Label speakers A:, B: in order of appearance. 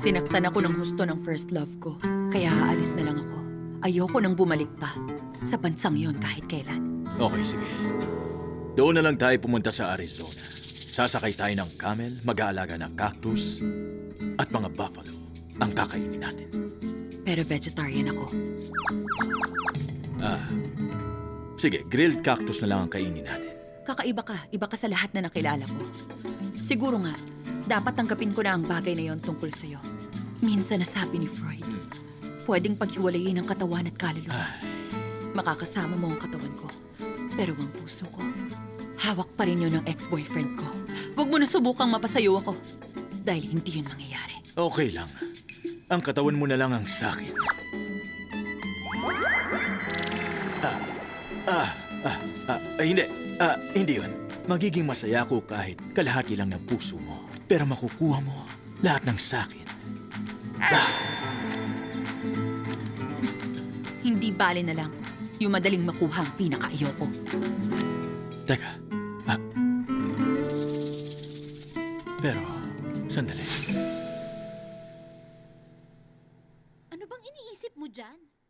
A: Sinaktan ako ng husto ng first love ko. Kaya aalis na lang ako. Ayoko nang bumalik pa sa bansang yon kahit kailan.
B: Okay, sige. Doon na lang tayo pumunta sa Arizona. Sasakay tayo ng camel, mag-aalaga ng cactus, at mga buffalo ang kakainin natin.
A: Pero vegetarian ako.
B: Sige, grilled cactus na lang ang kainin natin.
A: Kakaiba ka. Iba ka sa lahat na nakilala ko. Siguro nga, dapat tanggapin ko na ang bagay na yon tungkol sa'yo. Minsan nasabi ni Freud, pwedeng paghiwalayin ang katawan at kaluluwa. Makakasama mo ang katawan ko. Pero ang puso ko, hawak pa rin yun ng ex-boyfriend ko. Huwag mo na subukang mapasayo ako. Dahil hindi yun mangyayari.
B: Okay lang. Ang katawan mo na lang ang sakin. Hindi yun. Magiging masaya ako kahit kalahati lang ng puso mo. Pero makukuha mo lahat ng sakin.
A: Hindi bale na lang. Yung madaling makuha ang pinaka-ayoko.
B: Teka. Pero, sandali.
C: Ano bang iniisip mo dyan?